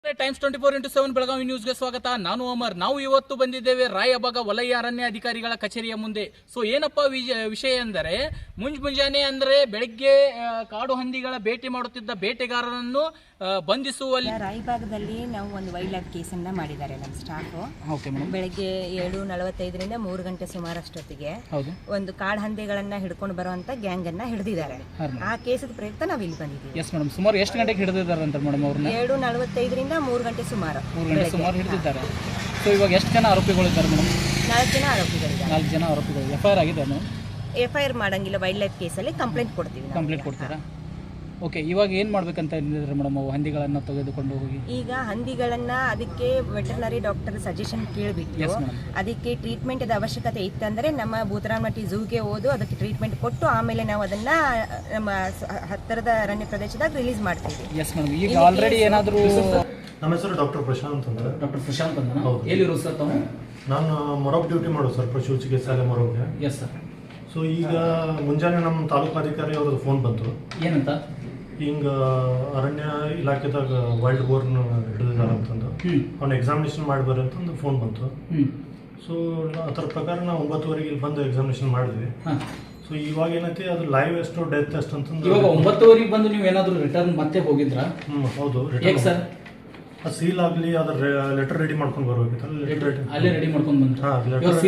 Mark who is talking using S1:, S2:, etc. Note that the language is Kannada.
S1: ಟೈಮ್ಸ್ 24x7 ಬೆಳಗಾವಿ ನ್ಯೂಸ್ಗೆ ಸ್ವಾಗತ. ನಾನು ಅಮರ್. ನಾವು ಇವತ್ತು ಬಂದಿದ್ದೇವೆ ರಾಯಬಾಗ ವಲಯ ಅರಣ್ಯ ಅಧಿಕಾರಿಗಳ ಕಚೇರಿಯ ಮುಂದೆ. ಸೊ ಏನಪ್ಪ ವಿಷಯ ಎಂದರೆ ಮುಂಜಾನೆ ಅಂದರೆ ಬೆಳಗ್ಗೆ ಕಾಡು ಹಂದಿಗಳ ಬೇಟೆ ಮಾಡುತ್ತಿದ್ದ ಬೇಟೆಗಾರರನ್ನು ಬಂಧಿಸುವಲ್ಲಿ
S2: ರಾಯಬಾಗದಲ್ಲಿ ನಾವು ಒಂದು ವೈಲ್ಡ್ ಲೈಫ್ ಕೇಸನ್ನು ಮಾಡಿದ್ದಾರೆ ನಮ್ಮ ಸ್ಟಾಫು. ಬೆಳಗ್ಗೆ 7:45ರಿಂದ 3 ಗಂಟೆ ಸುಮಾರಷ್ಟೊತ್ತಿಗೆ ಒಂದು ಕಾಡು ಹಂದಿಗಳನ್ನ ಹಿಡ್ಕೊಂಡು ಬರುವಂತ ಗ್ಯಾಂಗ್ ಅನ್ನ ಹಿಡಿದಿದ್ದಾರೆ. ಆ ಕೇಸದ ಪ್ರಯುಕ್ತ ನಾವು ಇಲ್ಲಿ ಬಂದಿದ್ದೀವಿ.
S1: Yes madam. ಸುಮಾರು ಎಷ್ಟು ಗಂಟೆಗೆ ಹಿಡಿದಿದ್ದಾರೆ ಅಂತ ಮೇಡಮ್ ಅವ್ರನ್ನ?
S2: 7:45ರಿಂದ 3 ಗಂಟೆ ಸುಮಾರು
S1: ಹಿಡಿದಿದ್ದಾರೆ. ಸೊ ಇವಾಗ ಎಷ್ಟು ಜನ ಆರೋಪಿಗಳಿದ್ದಾರೆ ಮೇಡಮ್?
S2: 4 ಜನ ಆರೋಪಿಗಳಿದ್ದಾರೆ.
S1: 4 ಜನ ಆರೋಪಿಗಳು. FIR ಆಗಿದೆ ಮೇಡಮ್?
S2: FIR ಮಾಡಂಗಿಲ್ಲ. ವೈಲ್ಡ್ ಲೈಫ್ ಕೇಸಲ್ಲಿ ಕಂಪ್ಲೇಂಟ್ ಕೊಡ್ತೀವಿ.
S1: ಕಂಪ್ಲೇಂಟ್ ಕೊಡ್ತೀರಾ? ಓಕೆ. ಇವಾಗ ಏನು ಮಾಡ್ಬೇಕಂತ ಹೇಳಿದ್ರೆ ಮೇಡಮ್ ಅವು ಹಂದಿಗಳನ್ನು ತೆಗೆದುಕೊಂಡು ಹೋಗಿ?
S2: ಈಗ ಹಂದಿಗಳನ್ನ ಅದಕ್ಕೆ ವೆಟರ್ನರಿ ಡಾಕ್ಟರ್ ಸಜೆಷನ್ ಕೇಳಿಬಿಟ್ಟು ಅದಕ್ಕೆ ಟ್ರೀಟ್ಮೆಂಟ್ ಅವಶ್ಯಕತೆ ಇತ್ತಂದ್ರೆ ನಮ್ಮ ಭೂತರಾಮಟ್ಟಿ ಝೂಗೆ ಹೋದು ಅದಕ್ಕೆ ಟ್ರೀಟ್ಮೆಂಟ್ ಕೊಟ್ಟು ಆಮೇಲೆ ನಾವು ಅದನ್ನ ನಮ್ಮ ಹತ್ತಿರದ ಅರಣ್ಯ ಪ್ರದೇಶದಾಗ ರಿಲೀಸ್ ಮಾಡ್ತೀವಿ.
S1: Yes madam. ಈಗ ಆಲ್ರೆಡಿ ಏನಾದರೂ?
S3: ನಮ್ಮ ಹೆಸರು ಡಾಕ್ಟರ್ ಪ್ರಶಾಂತ್ ಅಂತ.
S1: ಡಾಕ್ಟರ್ ಪ್ರಶಾಂತ್ ಅಂತ. ಎಲ್ಲಿರೋದು ಸರ್ ತಾವು?
S3: ನಾನು ಮೊರಬ್ ಡ್ಯೂಟಿ ಮಾಡೋದು ಸರ್, ಪಶು ಚಿಕಿತ್ಸಾಲಯ ಮೊರಬ್ಗೆ.
S1: Yes sir.
S3: ಸೊ ಈಗ ಮುಂಜಾನೆ ನಮ್ಮ ತಾಲೂಕಾಧಿಕಾರಿ ಅವ್ರದ್ದು ಫೋನ್ ಬಂತು.
S1: ಏನಂತ?
S3: ಹಿಂಗೆ ಅರಣ್ಯ ಇಲಾಖೆದಾಗ ವೈಲ್ಡ್ ಬೋರ್ನ್ ಹಿಡಿದಿದ್ದಾರೆ ಅಂತಂದು ಅವ್ನ ಎಕ್ಸಾಮಿನೇಷನ್ ಮಾಡಿ ಅಂತಂದು ಫೋನ್ ಬಂತು. ಸೊ ಅದರ ಪ್ರಕಾರ ನಾವು 9:15 ಇಲ್ಲಿ ಬಂದು ಎಕ್ಸಾಮಿನೇಷನ್ ಮಾಡಿದ್ವಿ. ಸೊ ಇವಾಗ ಏನೈತಿ ಅದು ಲೈವ್ ಎಷ್ಟು ಡೆತ್ ಎಷ್ಟು ಅಂತಂದು
S1: ಇವಾಗ 9:15 ಬಂದು ನೀವು ಏನಾದರೂ ರಿಟರ್ನ್ ಮತ್ತೆ ಹೋಗಿದ್ರಾ?
S3: ಹೌದು.
S1: ಸರ್
S3: ಸೀಲ್ ಆಗಲಿ ಅದ್ರ ಲೆಟರ್ ರೆಡಿ ಮಾಡ್ಕೊಂಡು ಬರ್ಬೇಕಿತ್ತು.
S1: ಅಲ್ಲೇ ರೆಡಿ ಮಾಡ್ಕೊಂಡು ಬಂದ್ರೆ